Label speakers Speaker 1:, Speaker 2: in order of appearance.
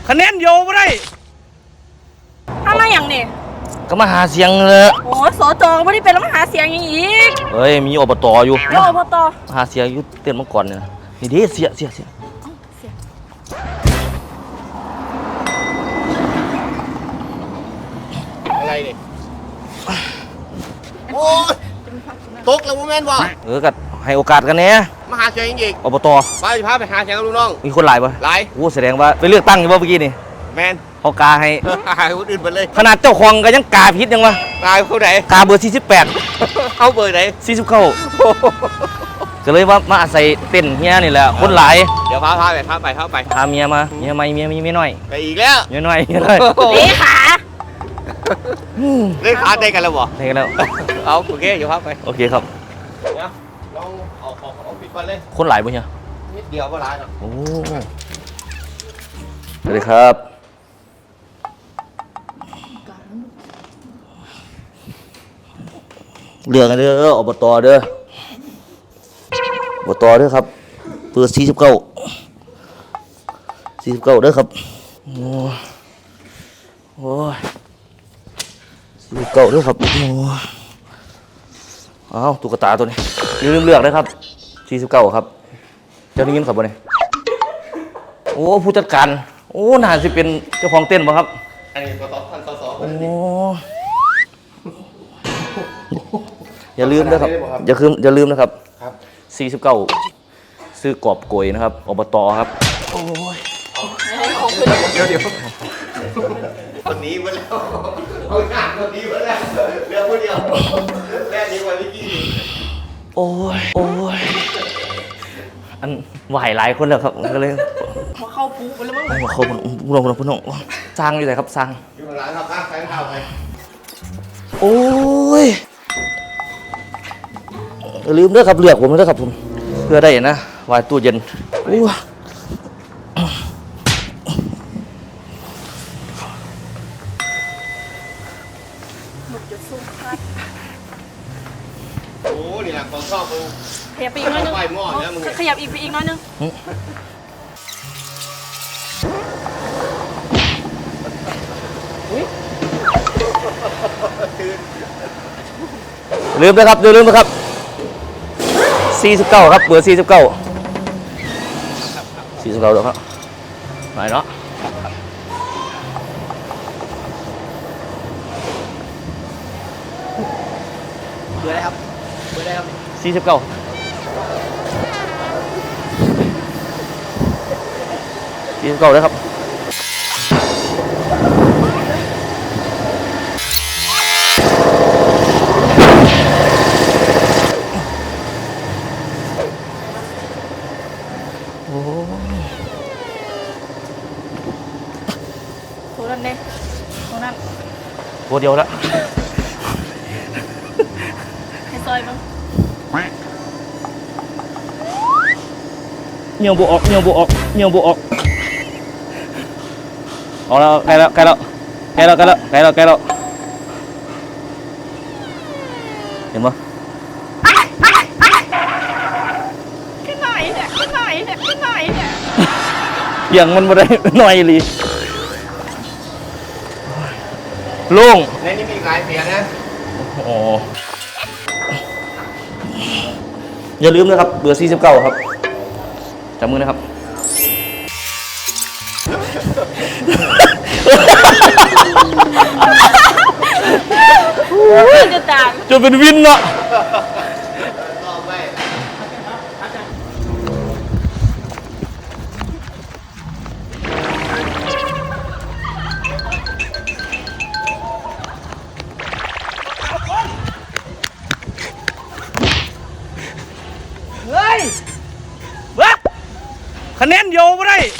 Speaker 1: คะแนนโยไม่ได้
Speaker 2: ทำมาอย่างนี่
Speaker 1: ก็มาหาเสียงเลย
Speaker 2: โอ้สจไม่ได้เป็นแล้วมาหาเสียงอย่างอีก
Speaker 1: เฮ้ยมีอบตอยู่
Speaker 2: อบต
Speaker 1: หาเสียงอยู่เตือนมาก่อนเนี่ยนี่ดิเสีย
Speaker 3: อะไรเนี่ยโอ้ยตกแล้วโมเมนต์บ่
Speaker 1: ก็ให้โอกาสกันเนี่ย
Speaker 3: มาหาเสียงอีก
Speaker 1: อบต
Speaker 3: ไปพาไปหาเสียงกับลูกน้อง
Speaker 1: มีคนหลายปะ
Speaker 3: หลาย
Speaker 1: โอ้แสดงว่าไปเลือกตั้งอยู่ว่าเมื่อกี้นี่
Speaker 3: แมน
Speaker 1: เขากาให้
Speaker 3: คนอื่นไปเลย
Speaker 1: ขนาดเจ้าของก็ยังกาพิษยังวะ
Speaker 3: กาเขาไหน
Speaker 1: กาเบอร์
Speaker 3: 48เขาเบอร์ไหน
Speaker 1: 49ก็เลยว่ามาอาศัยเต้นเฮียนี่แหละคนหลาย
Speaker 3: เดี๋ยวพาไป
Speaker 1: พาเมียมาเมียไม่มีเมียน้อย
Speaker 3: ไปอีกแล้ว
Speaker 1: เมียน้อย
Speaker 2: เลขา
Speaker 3: เล่นขาได้กันแล้วบ่
Speaker 1: ได้กันแล้ว
Speaker 3: เอาโอเคเดี๋ยวพาไป
Speaker 1: โอเคครับ
Speaker 3: ลองเอาปิดก่อนเลย
Speaker 1: คนหลายปะเนี่ย
Speaker 3: นิดเดียวก็หลายเนาะ
Speaker 1: โอ้สวัสดีครับเรื่องกันเด้ออบตเด้ออบตเด้อครับเปิด49เด้อครับโอ้ย49เด้อครับโอ้อ้าวตุ๊กตาตัวนี้ลืมเลือกนะครับ49ครับเจ้านี่ยินครับบ่เนี่ยโอ้ผู้จัดการโอ้น่าจะเป็นเจ้าของเต้นป่ะครับ
Speaker 3: อันนี้ก็ท่านส.
Speaker 1: โอ้อย่าลืมนะครับอย่าลืมนะครับ49ซื้อกอบโกยนะครับอบตครับโอ้ย
Speaker 3: เดี๋ยวคนนี้มาแล้วเอาหน้าคนนี้มาแล้วเรื่องคนเดียวแม่นี้วันนี้กี่
Speaker 1: โอ้ยอันไหวหลายคนแล้วครับก็เลย
Speaker 2: มาเข้าปุ๊บไปแล้วมั้ง
Speaker 1: มาเข้าพุ่งสร้างอยู่ไหนครับสร้าง
Speaker 3: อยู่ร้านครับใส่ข้าวไป
Speaker 1: โอ้ยลืมเด้อครับเลือกผมเด้อครับผมเพื่อได้นะวายตู้เย็นโอ้
Speaker 3: นี่แหละของชอบมึง
Speaker 2: ขยับไปอีกน้อยนึงขยับไปอีกน้อยนึง
Speaker 1: ลืมนะครับลืมนะครับ49ครับเบอร์49เดี๋ยวครับไหนเนาะ
Speaker 3: เบอร์อะไรครับ
Speaker 1: 49เลยครับตัวเดียวแล้ว
Speaker 2: ให้ซอยมั้ง
Speaker 1: เงี่ยวบุออกเอาแล้วใกล้แล้วเห็นปะ
Speaker 2: ขึ้นหน่อยเนี่ย
Speaker 1: อย่างมันมาได้หน่อยลีลุง
Speaker 3: ในนี้มีหลายเสียงนะ
Speaker 1: โอ้อย่าลืมนะครับเบอร์49ครับจับมือนะครับจะเป็นวินเนาะคะแนนโยไม่ได้